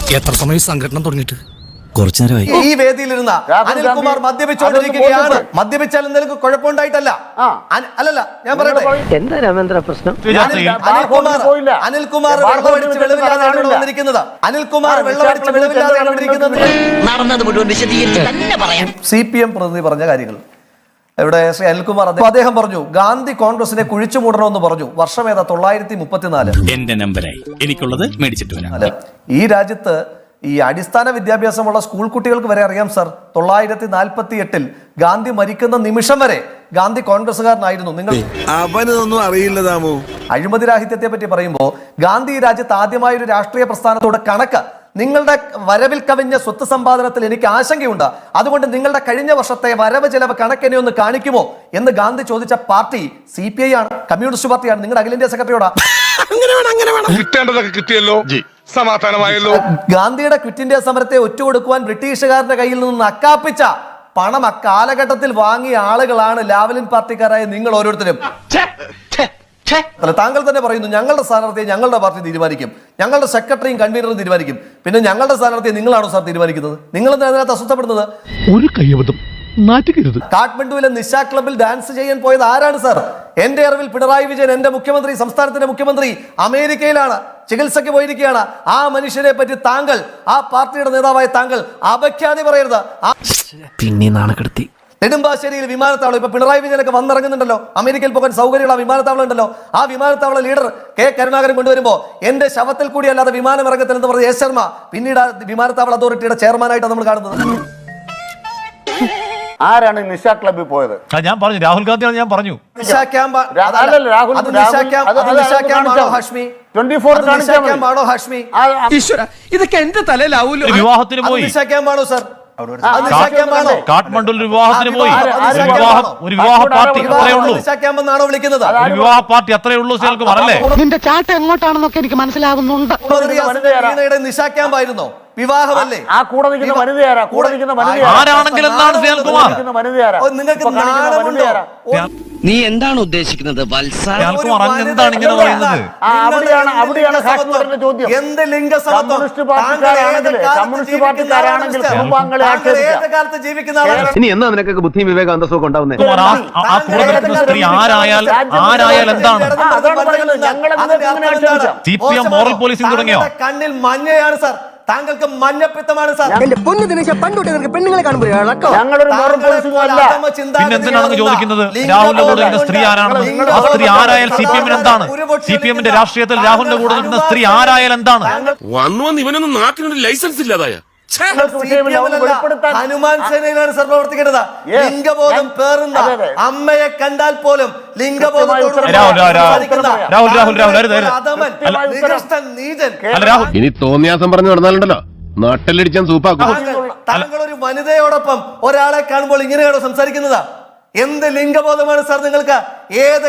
എത്ര സമയം സംഘടന തുടങ്ങിയിട്ട്? കുറച്ചു നേരമായി. ഈ വേദിയിലിരുന്ന അനിൽകുമാർ മദ്യപിച്ചുകൊണ്ടിരിക്കുകയാണ്. മദ്യപിച്ചാൽ എന്തെങ്കിലും കുഴപ്പമുണ്ടായിട്ടല്ല. അല്ലല്ല, ഞാൻ പറയട്ടെ, എന്താ രാമേന്ദ്ര പ്രശ്നം? അനിൽകുമാർ വെള്ളമടിച്ച് വെളിവില്ലാതെയാണ് വന്നിരിക്കുന്നത്. അനിൽകുമാർ വെള്ളമടിച്ച് വെളിവില്ലാതെയാണ് വന്നിരിക്കുന്നത്. നടന്നത് മുഴുവൻ വിശദീകരിച്ച് തന്നെ പറയാം. CPM പ്രതിനിധി പറഞ്ഞ കാര്യങ്ങൾ ഇവിടെ ശ്രീ അനിൽകുമാർ അദ്ദേഹം പറഞ്ഞു, ഗാന്ധി കോൺഗ്രസിനെ കുഴിച്ചു മൂടണമെന്ന് പറഞ്ഞു. വർഷം ഏതാ? 934. എന്റെ നമ്പറായി എനിക്കുള്ളത് മേടിച്ചിട്ട് ഈ രാജ്യത്ത് ഈ അടിസ്ഥാന വിദ്യാഭ്യാസമുള്ള സ്കൂൾ കുട്ടികൾക്ക് വരെ അറിയാം സർ, 948 ഗാന്ധി മരിക്കുന്ന നിമിഷം വരെ ഗാന്ധി കോൺഗ്രസ്സുകാരനായിരുന്നു. നിങ്ങൾ അവനൊന്നും അറിയില്ല താമോ. അഴിമതി രാഹിത്യത്തെ പറ്റി പറയുമ്പോൾ ഗാന്ധി ഈ രാജ്യത്ത് ആദ്യമായ ഒരു രാഷ്ട്രീയ പ്രസ്ഥാനത്തോടെ കണക്ക്, നിങ്ങളുടെ വരവിൽ കവിഞ്ഞ സ്വത്ത് സമ്പാദനത്തിൽ എനിക്ക് ആശങ്കയുണ്ട്, അതുകൊണ്ട് നിങ്ങളുടെ കഴിഞ്ഞ വർഷത്തെ വരവ് ചെലവ് കണക്കെന്നെ ഒന്ന് കാണിക്കുമോ എന്ന് ഗാന്ധി ചോദിച്ച പാർട്ടി CPI ആണ്, കമ്മ്യൂണിസ്റ്റ് പാർട്ടിയാണ്. നിങ്ങളുടെ അഖിലേന്ത്യാ സെക്രട്ടറിയോടാ. കിട്ടേണ്ടതൊക്കെ കിട്ടിയല്ലോ, സമാധാനമായല്ലോ. ഗാന്ധിയുടെ ക്വിറ്റ് ഇന്ത്യ സമരത്തെ ഒറ്റുകൊടുക്കുവാൻ ബ്രിട്ടീഷുകാരുടെ കയ്യിൽ നിന്ന് നക്കാപ്പിച്ച പണം അക്കാലഘട്ടത്തിൽ വാങ്ങിയ ആളുകളാണ് ലാവലിൻ പാർട്ടിക്കാരായ നിങ്ങൾ ഓരോരുത്തരും. താങ്കൾ തന്നെ പറയുന്നു, ഞങ്ങളുടെ സ്ഥാനാർത്ഥിയെ ഞങ്ങളുടെ പാർട്ടി തീരുമാനിക്കും, ഞങ്ങളുടെ സെക്രട്ടറിയും കൺവീനറും തീരുമാനിക്കും. പിന്നെ ഞങ്ങളുടെ സ്ഥാനാർത്ഥിയെ നിങ്ങളാണോ സാർ തീരുമാനിക്കുന്നത്? നിങ്ങൾ അതിനകത്ത് അസ്വസ്ഥപ്പെടുന്നത്? ഒരു കൈയബദ്ധം നാറ്റുകരുത്. കാഠ്മണ്ഡുവിലെ നിശ ക്ലബിൽ ഡാൻസ് ചെയ്യാൻ പോയത് ആരാണ് സാർ? എന്റെ അറിവിൽ പിണറായി വിജയൻ, എന്റെ മുഖ്യമന്ത്രി, സംസ്ഥാനത്തിന്റെ മുഖ്യമന്ത്രി അമേരിക്കയിലാണ്, ചികിത്സയ്ക്ക് പോയിരിക്കുകയാണ്. ആ മനുഷ്യനെ പറ്റി താങ്കൾ, ആ പാർട്ടിയുടെ നേതാവായ താങ്കൾ അപഖ്യാതി പറയരുത്. പിന്നെ നാണക്കെടുത്തി. നെടുമ്പാശ്ശേരിയിൽ വിമാനത്താവളം, ഇപ്പൊ പിണറായി വിജയനൊക്കെ വന്നിറങ്ങുന്നുണ്ടല്ലോ, അമേരിക്കയിൽ പോകാൻ സൗകര്യമുള്ള വിമാനത്താവളം ഉണ്ടല്ലോ. ആ വിമാനത്താവള ലീഡർ കെ കരുണാകരൻ കൊണ്ടുവരുമ്പോ എന്റെ ശവത്തിൽ കൂടി അല്ലാതെ വിമാനം ഇറങ്ങത്തില്ലെന്ന് പറഞ്ഞ എസ് ശർമ്മ പിന്നീട് വിമാനത്താവള അതോറിറ്റിയുടെ ചെയർമാനായിട്ടാണ് നമ്മൾ കാണുന്നത്. ആരാണ് നിശ ക്ലബിൽ പോയത്? ഞാൻ പറഞ്ഞു, രാഹുൽ ഗാന്ധിയാണ്. ഞാൻ പറഞ്ഞു നിശാ ക്യാമ്പ് ഹാഷ്മി, ഇതൊക്കെ എന്റെ തലയിലാവൂല്ലോ. വിവാഹത്തിന് പോയി. നിശാ ക്യാമ്പാണോ സാർ? കാഠ്മണ്ഡുവിൽ വിവാഹത്തിന് പോയി. ഒരു വിവാഹ പാർട്ടി അത്രേ ഉള്ളൂ. നിശാ ക്യാമ്പ് എന്നാണോ വിളിക്കുന്നത്? ഒരു വിവാഹ പാർട്ടി അത്രേ ഉള്ളൂ. അല്ലേ? നിന്റെ ചാട്ട എങ്ങോട്ടാണെന്നൊക്കെ എനിക്ക് മനസ്സിലാവുന്നുണ്ട്. നിശാ ക്യാമ്പ് ആയിരുന്നോ? വിവാഹമല്ലേ? ആ കൂടെ നിൽക്കുന്ന വനിതയാരാ? കൂടെ നിൽക്കുന്ന ആരാണെങ്കിലും നിങ്ങൾക്ക് നീ എന്താണ് ഉദ്ദേശിക്കുന്നത് വത്സ? എന്താണ് ഇങ്ങനെ പറയുന്നത്? അവിടെയാണ് ഹാഷ്മറിന്റെ ചോദ്യം. എന്ത് ലിംഗസമത്വം? കമ്മ്യൂണിസ്റ്റ് പാർട്ടിക്കാരാണെങ്കിൽ കുടുംബാംഗങ്ങളെ കാലത്ത് ജീവിക്കുന്ന ആളാണ്. ഇനി എന്നാ നിനക്കൊക്കെ ബുദ്ധിയും വിവേക അന്തസ്സൊക്കെ ഉണ്ടാവുന്നത്? സ്ത്രീ ആരായാൽ എന്താണ്? CPM മോറൽ പോലീസിംഗ് തുടങ്ങിയോ? കണ്ണിൽ മഞ്ഞയാണ് സാർ, താങ്കൾക്ക് മഞ്ഞപ്പിത്തമാണ് സാർ. പെണ്ണുങ്ങളെ കാണുമ്പോൾ പിന്നെന്തിനാണെന്ന് ചോദിക്കുന്നത്? രാഹുലിന്റെ കൂടെ നിൽക്കുന്ന സ്ത്രീ ആരാണെന്ന്? ആ സ്ത്രീ ആരായാൽ CPM എന്താണ്? CPM രാഷ്ട്രീയത്തിൽ രാഹുലിന്റെ കൂടെ നിൽക്കുന്ന സ്ത്രീ ആരായാൽ എന്താണ്? വന്നു ഇവനൊന്നും നാട്ടിനൊരു ലൈസൻസ് ഇല്ലാതായ ഹനുമാൻ സേനയിലാണ് സാർ പ്രവർത്തിക്കേണ്ടത്. ലിംഗബോധം പേറുന്ന അമ്മയെ കണ്ടാൽ പോലും ഇനി തോന്നിയാസം പറഞ്ഞു നടന്നാലുണ്ടല്ലോ നാട്ടിലടിച്ചാൻ സൂപ്പാക്കും. താങ്കൾ ഒരു വനിതയോടൊപ്പം ഒരാളെ കാണുമ്പോൾ ഇങ്ങനെയാണോ സംസാരിക്കുന്നത്? എന്ത് ലിംഗബോധമാണ് സാർ നിങ്ങൾക്ക്? ഏത്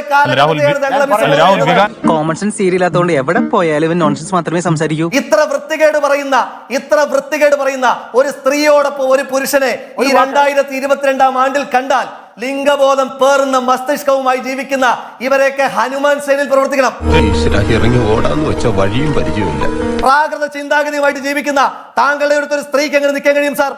കോമൺ സെൻസ് സീരിയലാത്തോണ്ട് എവിടെ പോയാലും നോൺസെൻസ് മാത്രമേ സംസാരിക്കൂ. ഇത്ര വൃത്തികേട് പറയുന്ന ഒരു സ്ത്രീയോടൊപ്പം ഒരു പുരുഷനെ ഈ 2022 ആണ്ടിൽ കണ്ടാൽ ലിംഗബോധം പേറുന്ന മസ്തിഷ്കവുമായി ജീവിക്കുന്ന ഇവരെയൊക്കെ ഹനുമാൻ സേനയിൽ പ്രവർത്തിക്കണം. ഇറങ്ങി ഓടാന്ന് വെച്ച വഴിയും പരിചയമില്ല. പ്രാകൃത ചിന്താഗതിയുമായിട്ട് ജീവിക്കുന്ന താങ്കളുടെ അടുത്തൊരു സ്ത്രീക്ക് എങ്ങനെ നിൽക്കാൻ കഴിയും സാർ?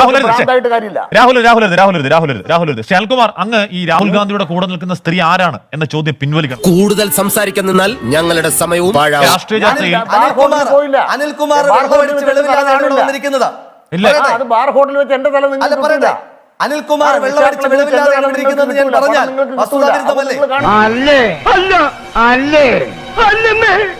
രാഹുൽ ശാൽകുമാർ, അങ്ങ് ഈ രാഹുൽ ഗാന്ധിയുടെ കൂടെ നിൽക്കുന്ന സ്ത്രീ ആരാണ് എന്ന ചോദ്യം പിൻവലിക്കണം. കൂടുതൽ സംസാരിക്കാൻ നിന്നാൽ ഞങ്ങളുടെ സമയവും രാഷ്ട്രീയ ചർച്ചയിൽ അനിൽകുമാർ വന്നിരിക്കുന്നത് ബാർ ഹോട്ടലിൽ വെച്ച് എന്റെ തല നിങ്ങൾ പറയട്ടെ. അനിൽകുമാർ വെള്ളമടിച്ച് വെളിവില്ലാതെയാണ് വന്നിരിക്കുന്നത് ഞാൻ പറഞ്ഞാൽ വസ്തുതാവിരുദ്ധമല്ലേ? അല്ലേ? അല്ല, അല്ലേ, അല്ലേ.